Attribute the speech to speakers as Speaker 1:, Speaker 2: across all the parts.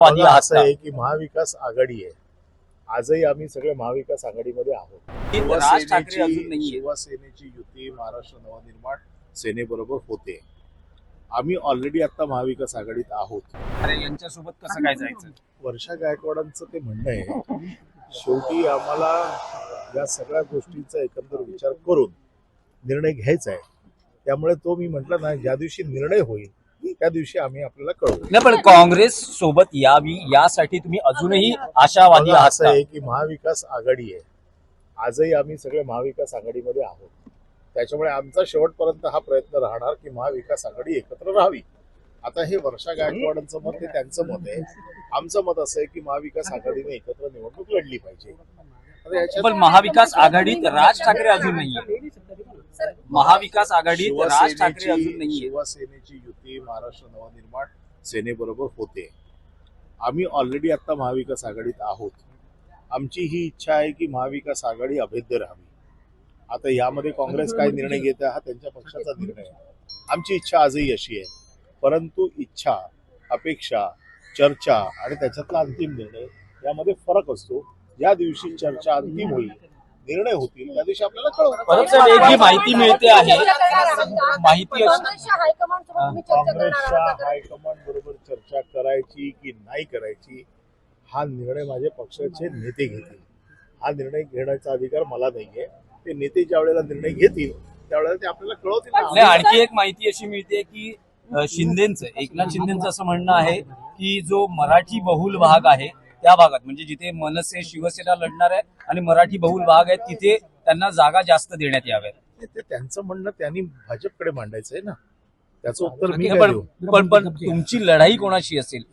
Speaker 1: बघा, असं
Speaker 2: आता
Speaker 1: आहे की महाविकास आघाडी आहे. आजही आम्ही सगळे महाविकास आघाडीमध्ये आहोत.
Speaker 2: राज ठाकरे अजून नाहीये.
Speaker 1: शिवसेनेची युती महाराष्ट्र नवनिर्माण सेनेबरोबर होते. आम्ही ऑलरेडी आता महाविकास आघाडीत आहोत.
Speaker 2: अरे यांच्यासोबत कसं काय जायचं?
Speaker 1: वर्षा गायकवाडांचं ते म्हणणं आहे, शेवटी आम्हाला या सगळ्या गोष्टींचा एकंदर विचार करून निर्णय घ्यायचा आहे. त्यामुळे तो मी म्हटलं ना, ज्या दिवशी निर्णय होईल त्या दिवशी आम्ही आपल्याला कळवू.
Speaker 2: नाही, पण काँग्रेस सोबत यावी यासाठी तुम्ही अजूनही आशावादी
Speaker 1: बघा,
Speaker 2: आहात
Speaker 1: असं
Speaker 2: का?
Speaker 1: आहे की महाविकास आघाडी आहे. आजही आम्ही सगळे महाविकास आघाडीमध्ये आहोत. त्याच्यामुळे आमचा शेवटपर्यंत हा प्रयत्न राहणार की महाविकास आघाडी एकत्र राहावी. आता हे वर्षा गायकवाडांचं मत हे त्यांचं मत आहे. आमचं मत असं आहे की महाविकास आघाडीने एकत्र निवडणूक लढली पाहिजे. आता याच्यात
Speaker 2: पण महाविकास आघाडीत राज ठाकरे अजून नाहीये. महाविकास आघाडीत राज ठाकरे अजून नाहीये.
Speaker 1: शिवसेनेची युती महाराष्ट्र नवनिर्माण सेनेबरोबर होते. आम्ही ऑलरेडी आता महाविकास आघाडीत आहोत. आमची ही इच्छा आहे की महाविकास आघाडी अभेद्य राहावी. आता यामध्ये काँग्रेस काय निर्णय घेते हा त्यांच्या पक्षाचा निर्णय आहे. आमची इच्छा आजही अशी आहे. परंतु इच्छा, अपेक्षा, चर्चा आणि त्याच्यातला अंतिम निर्णय यामध्ये फरक असतो. ज्या दिवशी चर्चा अंतिम होईल, निर्णय होतील, त्या दिवशी आपल्याला
Speaker 2: परत सर, एक जी माहिती मिळते आहे, माहिती
Speaker 1: काँग्रेसच्या हायकमांड बरोबर चर्चा करायची की नाही करायची हा निर्णय माझे पक्षाचे नेते घेतील. हा निर्णय घेण्याचा अधिकार मला नाहीये. ते नेते ज्या वेळेला निर्णय घेतील त्यावेळेला ते आपल्याला कळवतील ना.
Speaker 2: नाही, आणखी एक माहिती अशी मिळते की शिंदेचं, एकनाथ शिंदेचं असं म्हणणं आहे की जो मराठी बहुल भाग आहे त्या भागात, म्हणजे जिथे मनसे शिवसेना लढणार आहे आणि मराठी बहुल भाग आहे, तिथे त्यांना जागा जास्त देण्यात याव्यात.
Speaker 1: ते त्यांचं म्हणणं त्यांनी भाजपकडे मांडायचं आहे ना. त्याचं उत्तर मी काय देऊ?
Speaker 2: पण तुमची लढाई कोणाशी असेल?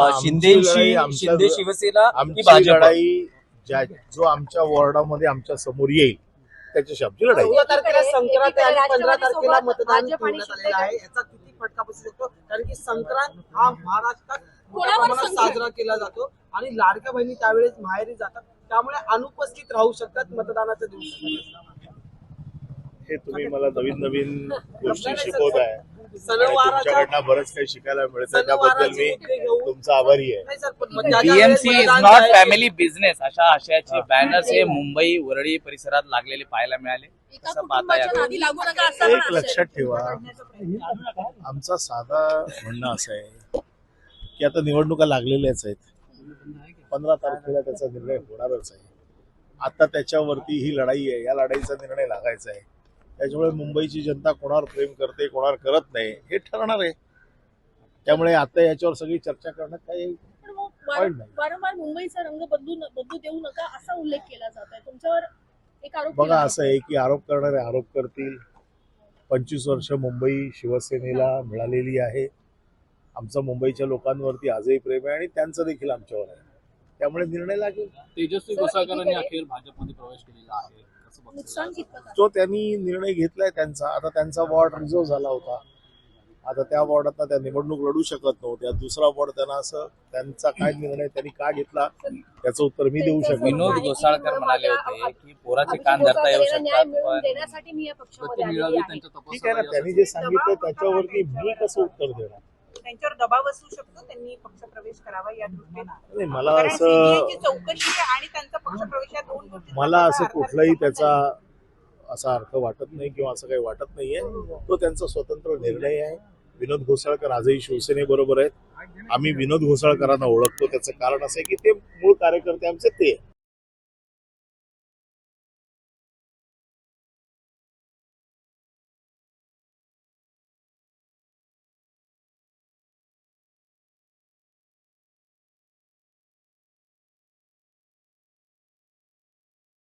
Speaker 2: शिंदे शिवसेना की
Speaker 1: आमची
Speaker 2: भाजप?
Speaker 1: लढाई जो आमच्या वॉर्डामध्ये आमच्या समोर येईल त्याच्याशी आमची लढाई.
Speaker 3: 14 तारखेला संक्रांत आहे आणि 15 तारखेला मतदान ठेवण्यात आलेलं आहे. याचा किती फटका बसू शकतो? कारण की संक्रांत हा महाराष्ट्रात मोठ्या प्रमाणात साजरा केला जातो आणि लाडक्या बहिणी त्यावेळेस माहेरी जातात, त्यामुळे अनुपस्थित राहू शकतात मतदानाच्या दिवशी.
Speaker 1: हे तुम्ही मला नवीन नवीन गोष्टी शिकवत आहे.
Speaker 3: सणवाराच्या
Speaker 1: तुमच्याकडनं बरंच काही शिकायला मिळतं. त्याबद्दल मी तुमचा आभारी आहे.
Speaker 3: नाही सर, पण ज्या ज्या
Speaker 4: बीएमसी
Speaker 3: वेळेस
Speaker 4: इज
Speaker 3: मतदान
Speaker 4: नॉट
Speaker 3: आहे,
Speaker 4: फॅमिली बिझनेस अशा आशयाचे बॅनर्स हे मुंबई वरळी परिसरात लागलेले पाहायला मिळाले. कसं पाहता यात?
Speaker 1: एक लक्षात ठेवा, आमचा साधा म्हणणं असं आहे की आता निवडणुका लागलेल्याच आहेत. 15 तारखेला त्याचा निर्णय होणारच आहे. आता त्याच्यावरती ही लढाई आहे. या लढाईचा निर्णय लागायचा आहे. त्याच्यामुळे मुंबईची जनता कोणावर प्रेम करते, कोणावर करत नाही हे ठरणार आहे. त्यामुळे आता याच्यावर सगळी चर्चा करण्यात काही पॉईंट नाही.
Speaker 5: वारंवार मुंबईचा रंग बदलू देऊ नका असा उल्लेख केला जात आहे. तुमच्यावर एक आरोप
Speaker 1: बघा,
Speaker 5: केला
Speaker 1: असं आहे की आरोप करणारे आरोप करतील. 25 वर्ष मुंबई शिवसेनेला मिळालेली आहे. आमचं मुंबईच्या लोकांवरती आजही प्रेम आहे आणि त्यांचं देखील आमच्यावर आहे. त्यामुळे निर्णय लागेल.
Speaker 6: तेजस्वी घोसाळकरांनी अखेर भाजपमध्ये प्रवेश केलेला आहे.
Speaker 5: नुकसान कितपत आहे?
Speaker 1: जो त्यांनी निर्णय घेतलाय त्यांचा, आता त्यांचा वॉर्ड रिझर्व झाला होता. आता त्या वॉर्डात त्या निवडणूक लढू शकत नव्हत्या. दुसरा वॉर्ड त्यांना असं त्यांचा काय निर्णय त्यांनी का घेतला त्याचं उत्तर मी देऊ शकतो.
Speaker 4: विनोद घोसाळकर म्हणाले होते की पोराचे कान धरता येऊ
Speaker 5: न्याय
Speaker 4: शकतात,
Speaker 5: मिळवून
Speaker 4: पण
Speaker 5: देण्यासाठी मी या पक्षामध्ये आलेली
Speaker 6: मिळावी
Speaker 5: आहे.
Speaker 6: त्यांच्या
Speaker 1: ठीक आहे ना,
Speaker 6: तपासाला
Speaker 1: त्यांनी जे सांगितलं त्याच्यावरती मी कसं उत्तर देणार?
Speaker 7: त्यांच्यावर दबाव असू शकतो, त्यांनी पक्षप्रवेश करावा या दृष्टीने.
Speaker 1: नाही, मला
Speaker 7: कारण
Speaker 1: असं
Speaker 7: CBI ची चौकशी आणि त्यांचा पक्षप्रवेश या दोन गोष्टी
Speaker 1: मला असं कुठलाही त्याचा असा अर्थ वाटत नाही किंवा असं काही वाटत नाहीये. तो त्यांचा स्वतंत्र निर्णय आहे. विनोद घोसाळकर आजही शिवसेनेबरोबर आहेत. आम्ही विनोद घोसाळकरांना ओळखतो. त्याचं कारण असं आहे की ते मूळ कार्यकर्ते आमचे ते